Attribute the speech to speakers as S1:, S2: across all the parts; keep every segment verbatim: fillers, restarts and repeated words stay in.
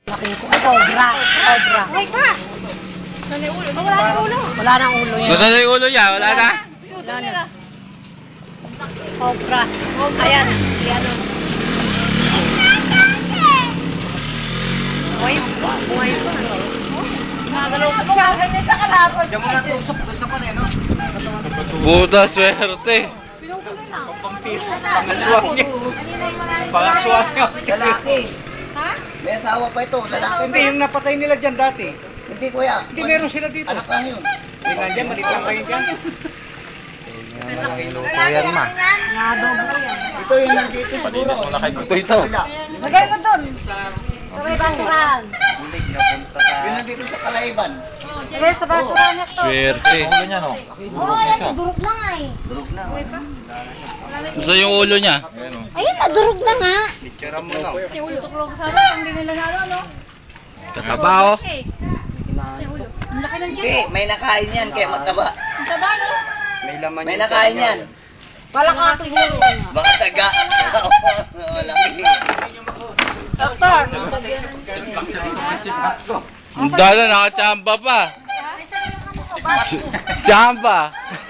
S1: Laki ko. Ay, cobra. Cobra.
S2: Okay ka. Saan yung ulo? Wala nang ulo.
S1: Wala nang ulo yan.
S3: Nasaan na yung ulo niya? Wala na?
S1: Wala na. Cobra. Ayan. Ayan o. Buhay pa. Buhay pa. Magalaw pa siya. Ganyan sa kalapot.
S4: Diyan mo na tusok doon sa pan eh, no?
S3: Buta, swerte.
S1: Pinukuloy lang.
S4: Pangaswang niya. Pangaswang niya.
S5: Lalaki.
S2: Ha?
S5: May asawa pa ito, lalaki.
S4: Hindi, yung napatay nila dyan dati.
S5: Hindi kuya.
S4: Hindi, meron sila dito.
S5: Anak lang yun.
S4: Hindi nandyan, maliit lang kayo dyan.
S3: Yan ma.
S1: Nadobo yan.
S5: Ito yung nandito siguro.
S3: mo na kay Kutoy ito.
S1: Lagay mo dun. Sa may basuran.
S5: Yung nandito sa Kalayban.
S1: Lagay sa basuran ito.
S3: Swerte. Ulo niya, no?
S1: Oo, yan. Durog na nga eh.
S5: Durog na.
S3: Nasaan yung ulo niya?
S1: Ayun, nadurog na nga.
S5: Picture mo lang.
S2: Yung ulo tuklong sa akin. Hindi nila nalo, no?
S3: Katabaho.
S2: Okay. Yung ulo. Ang laki ng
S5: Hindi,
S2: dyan.
S5: may nakain yan kaya mataba.
S2: Ang taba, no?
S5: May laman May nakain yan.
S1: Palaka siguro.
S5: Baka taga. Wala.
S1: Doktor.
S3: Ang dala, nakachamba pa. Chamba.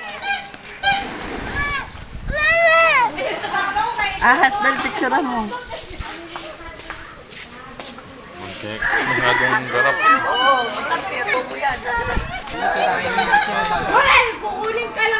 S1: Ahas, dahil picturean mo.
S3: Masyadong garap.
S5: Oo, masarap ito po yan.
S1: Well, kukunin ka lang.